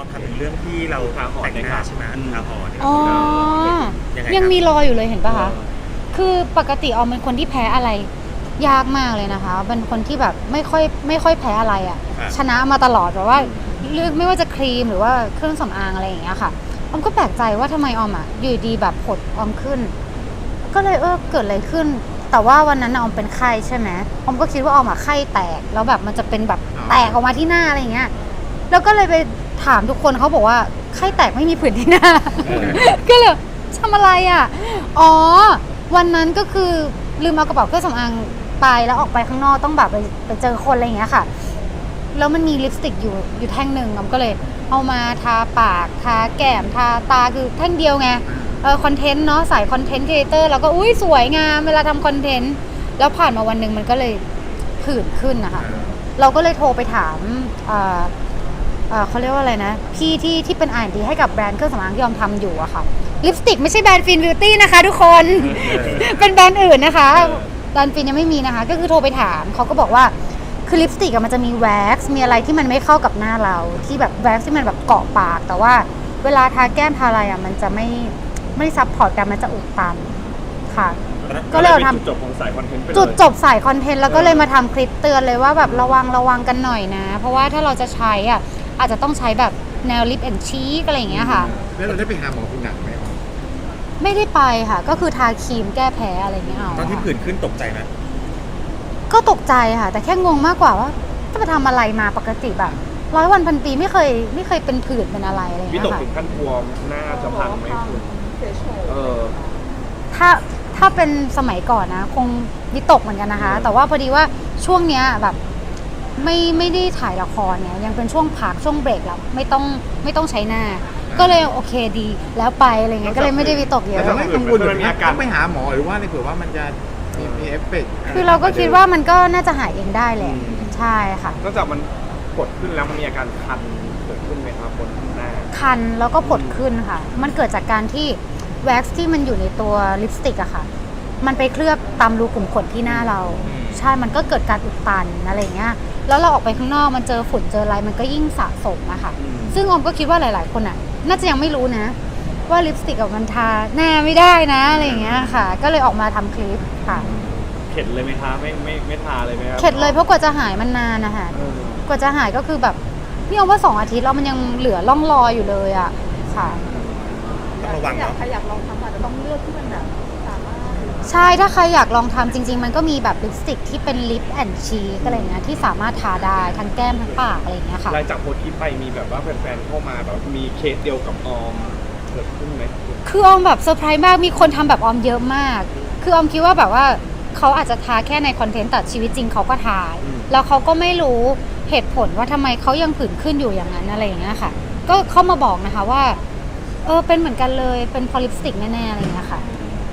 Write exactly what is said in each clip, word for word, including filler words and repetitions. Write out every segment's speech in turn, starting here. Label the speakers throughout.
Speaker 1: อทำถึงเรื่องที่เราแต่งหน้าใช่ไหมทาหอน
Speaker 2: อ๋อยังมีรอยอยู่เลยเห็นปะคะคือปกติออมเป็นคนที่แพ้อะไรยากมากเลยนะคะเป็นคนที่แบบไม่ค่อยไม่ค่อยแพ้อะไรอ่ะชนะมาตลอดแบบว่าเลือกไม่ว่าจะครีมหรือว่าเครื่องสำอางอะไรอย่างเงี้ยค่ะออมก็แปลกใจว่าทำไมออมอ่ะอยู่ดีแบบผดออมขึ้นก็เลยเออเกิดอะไรขึ้นแต่ว่าวันนั้นออมเป็นไข้ใช่ไหมออมก็คิดว่าออมอ่ะไข้แตกแล้วแบบมันจะเป็นแบบแตกออกมาที่หน้าอะไรอย่างเงี้ยแล้วก็เลยไปถามทุกคนเขาบอกว่าไข้แตกไม่มีผื่นที่หน้า ก็เลยทำอะไรอ่ะอ๋อวันนั้นก็คือลืมเอากระเป๋าเครื่องสำอางไปแล้วออกไปข้างนอกต้องแบบไปไปเจอคนอะไรอย่างเงี้ยค่ะแล้วมันมีลิปสติกอยู่อยู่แท่งหนึ่งออมก็เลยเอามาทาปากทาแก้มทาตาคือแท่งเดียวไงเออคอนเทนต์เนาะสายคอนเทนต์ครีเอเตอร์แล้วก็อุ้ยสวยงามเวลาทำคอนเทนต์แล้วผ่านมาวันหนึ่งมันก็เลยผื่นขึ้นนะคะเราก็เลยโทรไปถามเอ่อเอ่อเขาเรียกว่าอะไรนะพี่ที่ที่เป็น อาร์ แอนด์ ดี ให้กับแบรนด์เครื่องสำอางที่ยอมทำอยู่อะค่ะลิปสติกไม่ใช่แบรนด์ฟินบิวตี้นะคะทุกคน เป็นแบรนด์อื่นนะคะแบรนด์ฟินยังไม่มีนะคะก็คือโทรไปถามเขาก็บอกว่าคือลิปสติกมันจะมีแว็กซ์มีอะไรที่มันไม่เข้ากับหน้าเราที่แบบแว็กซ์ที่มันแบบเกาะปากแต่ว่าเวลาทาแก้มทาอะไรอะมันจะไม่ไม่ซับพอร์ตกันมันจะอุดตันค่ะก็เลยทำจุดจบของสายคอนเทนต์จุดจบสายคอนเทนต์แล้วก็เลยมาทำคลิปเตือนเลยว่าแบบระวังระวังกันหน่อยนะเพราะว่าถ้าเราจะใช้อ่ะอาจจะต้องใช้แบบแนวลิปแอนด์ชีกอะไรอย่างเงี้ยค่ะ
Speaker 3: แล้วเราได้ไปหาหมอคุณหนักไหมครับ
Speaker 2: ไม่ได้ไปค่ะก็คือทาครีมแก้แพ้อะไรเงี้ยเอา
Speaker 1: ตอนที่ผื่นขึ้นตกใจไหม
Speaker 2: ก็ตกใจค่ะแต่แค่งงมากกว่าว่าจะไปทำอะไรมาปกติแบบร้อยวันพันปีไม่เคยไม่เคยเป็นผื่นเป็นอะไรอะไรเงี้ยค่ะวิตกถึงขั้นกลัวหน้าจะพังไหมคุณเออถ้าถ้าเป็นสมัยก่อนนะคงวิตกเหมือนกันนะคะแต่ว่าพอดีว่าช่วงเนี้ยแบบไม่ไม่ได้ถ่ายละครเนี่ยยังเป็นช่วงพักช่วงเบรกแล้วไม่ต้องไม่ต้องใช้หน้าก็เลยโอเคดีแล้วไปอะไรเงี้ยก็เลยไม่ได้วิตกเยอะ
Speaker 3: แต่ไม่กังวลหรือมีอาการต้องไปหาหมอหรือว่าในเผื่อว่ามันจะมีมีเอฟเฟกต์
Speaker 2: คือเราก็คิดว่ามันก็น่าจะหายเองได้แหละใช่ค่ะ
Speaker 4: นอกจากมันผดขึ้นแล้วมันมีอาการคันเกิดขึ้นไหมครับบนหน้า
Speaker 2: คันแล้วก็ผดขึ้นค่ะมันเกิดจากการที่แว็กซ์ที่มันอยู่ในตัวลิปสติกอะค่ะมันไปเคลือบตามรูขุมขนที่หน้าเราใช่มันก็เกิดการอุดตันอะไรเงี้ยแล้วเราออกไปข้างนอกมันเจอฝุ่นเจออะไรมันก็ยิ่งสะสมอะค่ะซึ่งออมก็คิดว่าหลายๆคนอะน่าจะยังไม่รู้นะว่าลิปสติกกับมันทาหน้าไม่ได้นะอะไรเงี้ยค่ะก็เลยออกมาทำคลิปค่ะ
Speaker 4: เข็ดเลยไหมคะไม่ไม่ไม่ทาเลยไหมครับ
Speaker 2: เข็ดเลยเพราะกว่าจะหายมันนานนะคะกว่าจะหายก็คือแบบนี่เอาว่าสองอาทิตย์แล้วมันยังเหลือร่องรอยอยู่เลยอะค่ะ
Speaker 1: ต้องระวังเนาะ
Speaker 5: ใครอยากลองทำอาจจะต้องเลือกที่มันแบบสามารถ
Speaker 2: ใช่ถ้าใครอยากลองทำจริงๆมันก็มีแบบลิปสติกที่เป็นลิปแอนด์ชีกอะไรเงี้ยที่สามารถทาได้ทั้งแก้มทั้งปากอะไรเงี้ยค่ะ
Speaker 4: หลังจากโพสต์คลิปไปมีแบบว่าแฟนๆเข้ามาแบบมีเคสเดียวกับออมเกิดขึ้นไหม
Speaker 2: คือออมแบบเซอร์ไพรส์มากมีคนทำแบบออมเยอะมากคือออมคิดว่าแบบว่าเขาอาจจะทาแค่ในคอนเทนต์แต่ชีวิตจริงเขาก็ทาแล้วเขาก็ไม่รู้เหตุผลว่าทำไมเขายังผื่นขึ้นอยู่อย่างนั้นอะไรอย่างเงี้ยค่ะก็เข้ามาบอกนะคะว่าเออเป็นเหมือนกันเลยเป็นพอลิปสติกแน่ๆอะไรอย่างเงี้ยค่ะ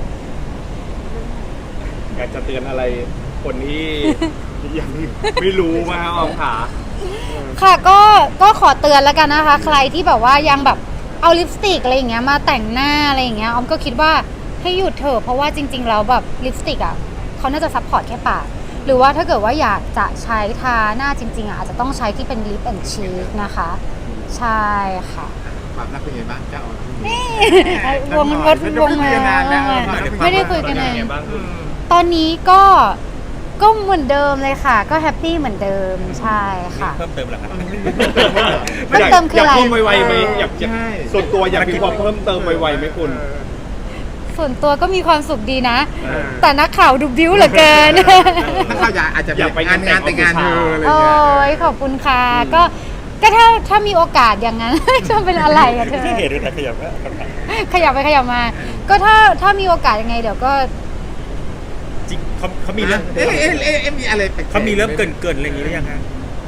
Speaker 4: อยากจะเตือนอะไรคนที่ ยังไม่รู้มาออมขา
Speaker 2: ค่ะก็ก็ขอเตือนแล้วกันนะคะใครที่แบบว่ายังแบบเอาลิปสติกอะไรอย่างเงี้ยมาแต่งหน้าอะไรอย่างเงี้ยออมก็คิดว่าให้หยุดเถอะเพราะว่าจริงๆแล้วแบบลิปสติกอ่ะเขาน่าจะซัพพอร์ตแค่ปากหรือว่าถ้าเกิดว่าอยากจะใช้ทาหน้าจริงๆอ่ะอาจจะต้องใช้ที่เป็นลิปแอนด์ชีกนะคะใช่ค่ะ
Speaker 3: ความรักเป็นยังไงบ้างเจ้า
Speaker 2: นี่วงรถวงมาไม่ได้คุยกันเลยตอนนี้ก็ก็เหมือนเดิมเลยค่ะก็แฮปปี้เหมือนเดิมใช่ค่ะ
Speaker 1: เพิ่มเติมหรอครับ
Speaker 2: เพิ่มเติมคืออะไร
Speaker 4: อยากเพิ่มไวๆไหมอยากส่วนตัวอยากมีความเพิ่มเติมไวๆไหมคุณ
Speaker 2: ส่วนตัวก็มีความสุขดีนะแต่นักข่าวดูบิ้วเหลือเกิน
Speaker 3: นักข่าวอยากอาจจะอยากไปงานงานแต่งงานเธออะไร
Speaker 2: อย่างเงี้ยโอ้ยขอบคุณค่ะก็ก็ถ้าถ้ามีโอกาสอย่างนั้นจะเป็นอะไรอะเธอ
Speaker 1: ที่เห็นด้วยขยับ
Speaker 2: ขยับไปขยับมาก็ถ้าถ้ามีโอกาสยังไงเดี๋ยวก็
Speaker 1: จริงเขาเขามีเรื่อง
Speaker 3: เอ๊ะเอ๊ะเอ๊ะมีอะไร
Speaker 1: เขามีเริ่มเกินเกินอะไรอย่างนี้หรือยังฮะ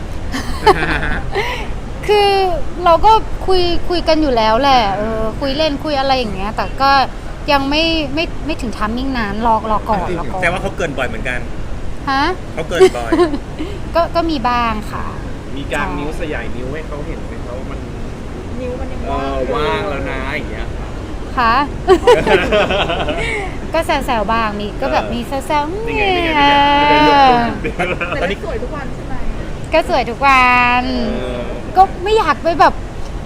Speaker 2: คือเราก็คุยคุยกันอยู่แล้วแหละเออคุยเล่นคุยอะไรอย่างเงี้ยแต่ก็ยังไม่ไม่ไม่ถึงทัมมิ่งนั้นรอรอก่อนรอก่อน
Speaker 1: แต่ว่าเขาเกินบ่อยเหมือนกัน
Speaker 2: ฮะ
Speaker 1: เขาเกินบ่อย
Speaker 2: ก็ก็มีบ้างค่ะ
Speaker 4: มีการนิ้วสยายนิ้วให้เขาเห็นไหมเขามัน
Speaker 5: นิ้วมันยัง
Speaker 4: ว่างแล้วนะอย่างเงี้ย
Speaker 2: ค่ะก็แซวๆบ้างมีก็แบบมีแซวๆเนี่ย
Speaker 5: ตอนนี้สวยทุกวันใช่ไหม
Speaker 2: ก็สวยทุกวันก็ไม่อยากไปแบบ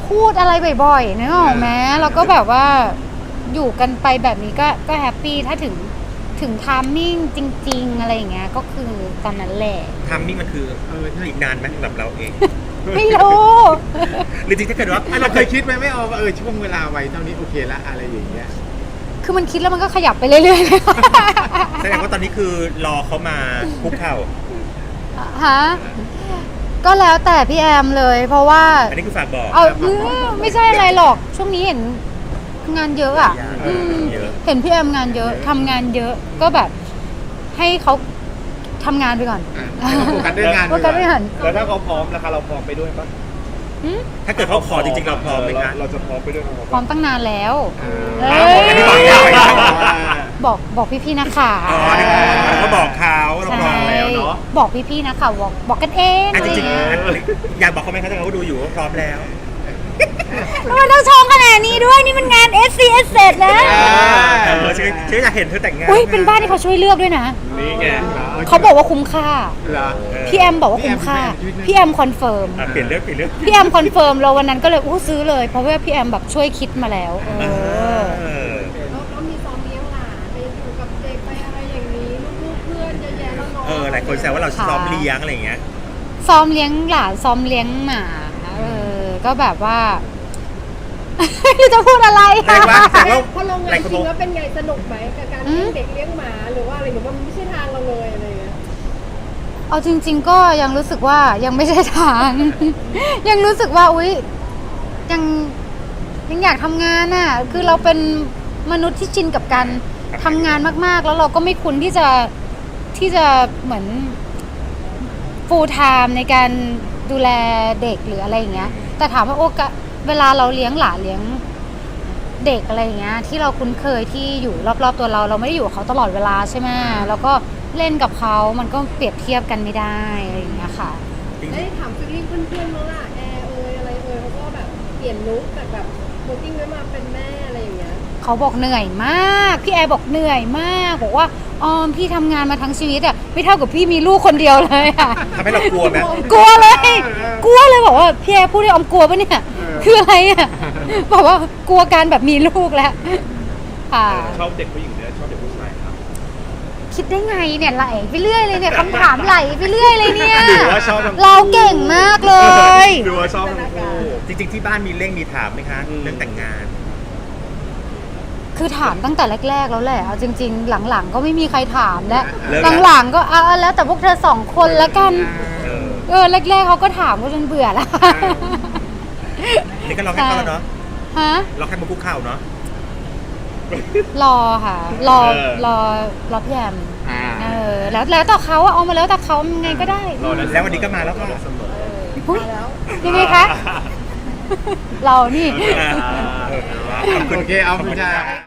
Speaker 2: พูดอะไรบ่อยๆนึกออกไหมแล้วก็แบบว่าอยู่กันไปแบบนี้ก็ก็แฮปปี้ถ้าถึงถึงไทามมิ่งจริง ๆ อะไรอย่างเงี้ยก็คือตอนนั้นแหละ
Speaker 1: ทำนี่มันคือ
Speaker 3: เออใช่
Speaker 1: อีกนานไหมสำหรับเราเอง
Speaker 2: ไม่รู้
Speaker 1: หรือจริงถ้าเกิดว่า
Speaker 3: อ่ะเราเคยคิดไหมไม่เอาว่าเออช่วงเวลาไว้เท่านี้โอเคละอะไรอย่างเงี้ย
Speaker 2: คือมันคิดแล้วมันก็ขยับไปเรื่อยๆเลย
Speaker 1: แสดงว่าตอนนี้คือรอเขามาคุกเข่า
Speaker 2: ฮะก็แล้วแต่พี่แอมเลย เพราะว่า
Speaker 1: อันนี้คือฝากบอก
Speaker 2: เอาอืมไม่ใช่อะไรหรอก ช่วงนี้เห็นงานเยอะอ่ะ
Speaker 1: เออ
Speaker 2: ม
Speaker 1: เยอะ
Speaker 2: เห็นพี่แอมงานเยอะทำงานเยอะก็แบบ ให้เขาทำงานไปก่อน
Speaker 3: อ่ะให้เขาโฟกัสเรื่องงาน
Speaker 2: โฟกัสไม่หัน
Speaker 4: แล้วถ้าเขาพร้อมนะคะเราพร้อมไปด้วยปะ
Speaker 2: หืม
Speaker 1: ถ้าเกิดเขาขอจริงๆเราพร้อมไหมคะ
Speaker 4: เราจะพร้อมไปด้วยกับเขา
Speaker 2: พร้อ
Speaker 4: ปะ
Speaker 2: มตั้งนานแล้ว
Speaker 3: เอ
Speaker 2: เอ้
Speaker 3: อย
Speaker 1: อันนี้บอกแล้ว
Speaker 2: บอกบอกพี่ๆนักข่าว
Speaker 1: อ๋อนี่เราก็บอกเขาเราพร้อมแล้วเนาะ
Speaker 2: บอกพี่ๆนักข่าวบอกบอกกันเอง
Speaker 1: อ่ะจริง
Speaker 2: อะ
Speaker 1: ๆ
Speaker 2: ไอย่า
Speaker 1: อัน
Speaker 2: เย
Speaker 1: อยากบอกเขาไหมคะถ้าเขาดูอยู่ว่าพร้อมแล้ว
Speaker 2: ทำไมต้องชงขนาดนี้ด้วยนี่มันงาน เอส ซี เอส นะ
Speaker 1: เออฉันฉันอยากเห็นเธอแต่งงาน
Speaker 2: อุ้ยเป็นบ้านที่เขาช่วยเลือกด้วยนะ
Speaker 4: นี่ไง
Speaker 2: เขาบอกว่าคุ้มค่า
Speaker 3: เหรอ
Speaker 1: เออ
Speaker 2: พี่แอมบอกว่าคุ้มค่า พี่แอมคอนเฟิร์ม
Speaker 1: อ่ะเปลี่ยนเรื่องเปลี่ยนเรื่อง
Speaker 2: พี่แอมคอนเฟิร์มเราวันนั้นก็เลยอู้ซื้อเลย เพราะว่าพี่แอมแบบช่วยคิดมาแล้ว เอ
Speaker 1: เอ
Speaker 2: อ
Speaker 1: อ
Speaker 5: แล้วแล้วมีซ้อมเลี้ยงหลานไปอยู่กับเด็กไปอะไรอย่างนี้ลูกๆเพื่อนเยอะแยะแล้วเนาะ
Speaker 1: เออหลายคนแซวว่าเราซ้อมเลี้ยงอะไรอย่างเงี้ย
Speaker 2: ซ้อมเลี้ยงหลานซ้อมเลี้ยงหมาเออก็แบบว่า ไม่รู้จะพูดอะไร
Speaker 1: แต่ว่า
Speaker 2: อะ
Speaker 1: แต่ว่า
Speaker 5: พอลง
Speaker 1: ห
Speaker 5: งา
Speaker 1: ลาน ย
Speaker 5: จ
Speaker 1: คน
Speaker 5: ริ
Speaker 1: บ
Speaker 5: ง
Speaker 1: อก
Speaker 5: แล้วเป็นไงสนุกไหมกับการ
Speaker 2: อื
Speaker 5: เลี้ย
Speaker 2: ม
Speaker 5: งเด็กเลี้ยงหมาหรือว่าอะไรหรือว่ามันไม่ใช่ทางเราเลยอะไรอย่างเงี้ย
Speaker 2: เอาจริง ๆ ก็ยังรู้สึกว่ายังไม่ใช่ทาง ยังรู้สึกว่าอุ๊ยยังยังอยากทำงานน่ะคือเราเป็นมนุษย์ที่ชินกับการทำงานมากๆ แล้วเราก็ไม่คุ้นที่จะที่จะเหมือน full time ในการดูแลเด็กหรืออะไรอย่างเงี้ย แต่ถามว่าโอกาสเวลาเราเลี้ยงหลานเลี้ยงเด็กอะไรอย่างเงี้ย ที่เราคุ้นเคยที่อยู่รอบๆตัวเราเราไม่ได้อยู่กับเขาตลอดเวลาใช่ไหมแล้วก็เล่นกับเขามันก็เปรียบเทียบกันไม่ได้อะไรอย่างเงี้ยค่ะ
Speaker 5: ได้ถามฟีลลิ่งเพื่อนๆมั้งล่ะแอร์เอยอะไรเอยเขาก็แบบเปลี่ยนลุคจากแบบโมติ้งไว้มาเป็นแม่อะไรอย่างเงี้ย
Speaker 2: เขาบอกเหนื่อยมากพี่แอร์บอกเหนื่อยมากบอกว่าออมพี่ทำงานมาทั้งชีวิตอะไม่เท่ากับพี่มีลูกคนเดียวเลยอะ
Speaker 1: ทำให้เรากลัวไหม
Speaker 2: กลัวเลย กลัวเลยบอกว่าพี่แอร์พูดให้ออมกลัวปะเนี่ยคืออะไรอะบอกว่ากลัวการแบบมีลูกแล้วค่ะ
Speaker 4: ชอบเด็กผู้หญิงเนี่ยชอบเด็กผู้ชายครับ
Speaker 2: คิดได้ไงเนี่ยไหลไปเรื่อยเลยเนี่ยคำถามไหลไปเรื่อยเลยเนี่ย
Speaker 4: หรือว่าชอบทั้งคู่
Speaker 2: เราเก่งมากเลย
Speaker 4: หรือว่าชอบทั้งคู่
Speaker 1: จริงๆที่บ้านมีเร่งมีถามไหมคะ
Speaker 4: อืม
Speaker 1: เรื่องแต่งงาน
Speaker 2: คือถามตั้งแต่แรกๆแล้วแหละเอาจริง ๆ หลังๆ ก็ไม่มีใครถามแล้ว
Speaker 1: เลิกแล้ว
Speaker 2: หลังๆก็เอาแล้วแต่พวกเธอสองคนแล้วกัน
Speaker 1: เออ
Speaker 2: เออแรกๆเขาก็ถามก็จนเบื่อแล้ว
Speaker 1: นี่ก็รอให้เขาแล้วเนาะ
Speaker 2: ฮะ
Speaker 1: รอให้มาคุกเข่าเนาะ
Speaker 2: รอค่ะ รอ
Speaker 4: เออ
Speaker 2: รอรอพี่แอม
Speaker 3: อ่า
Speaker 2: เออแล้วแล้วแต่เขาอะเอามาแล้วแต่เขายังไงก็ได้
Speaker 4: รอได้
Speaker 1: แล้ววันนี้ก็มาแล้วค่ะ
Speaker 4: เสมอ
Speaker 2: อุ๊ยยังไงคะ เรานี่
Speaker 1: เออเออขอบคุณ
Speaker 3: โอเคเอาคุณชา